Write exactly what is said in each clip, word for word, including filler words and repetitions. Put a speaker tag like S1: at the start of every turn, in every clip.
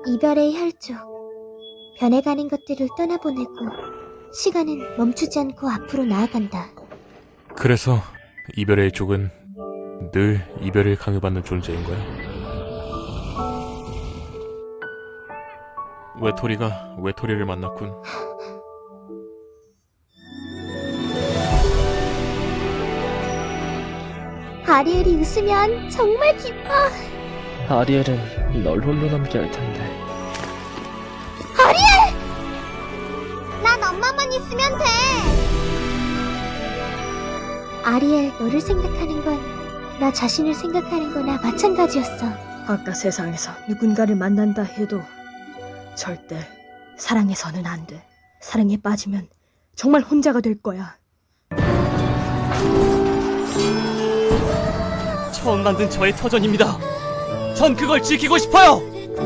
S1: 이별의 혈족, 변해가는 것들을 떠나보내고 시간은 멈추지 않고 앞으로 나아간다.
S2: 그래서 이별의 쪽은 늘 이별을 강요받는 존재인 거야. 외톨이가 외톨이를 만났군.
S1: 아리엘이 웃으면 정말 기뻐.
S3: 아리엘은 널 홀로 남게 할 텐데.
S1: 아리엘! 난 엄마만 있으면 돼. 아리엘, 너를 생각하는 건 나 자신을 생각하는 거나 마찬가지였어.
S4: 아까 세상에서 누군가를 만난다 해도 절대 사랑해서는 안 돼. 사랑에 빠지면 정말 혼자가 될 거야.
S5: 처음 만든 저의 터전입니다. 전 그걸 지키고 싶어요.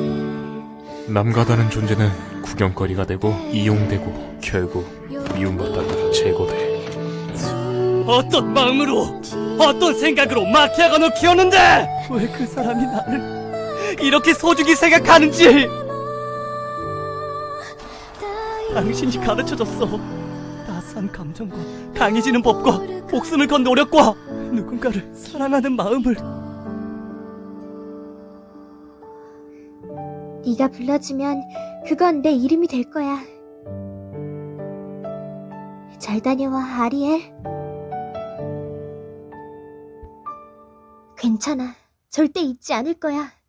S2: 남과다른 존재는 구경거리가 되고 이용되고 결국 미움받다가 제거돼.
S5: 어떤 마음으로, 어떤 생각으로 마키아가노 키웠는데 왜 그 사람이 나를 이렇게 소중히 생각하는지 당신이 가르쳐줬어. 따스한 감정과 강해지는 법과 목숨을 건 노력과 누군가를 사랑하는 마음을.
S1: 네가 불러주면 그건 내 이름이 될 거야. 잘 다녀와, 아리엘. 괜찮아. 절대 잊지 않을 거야.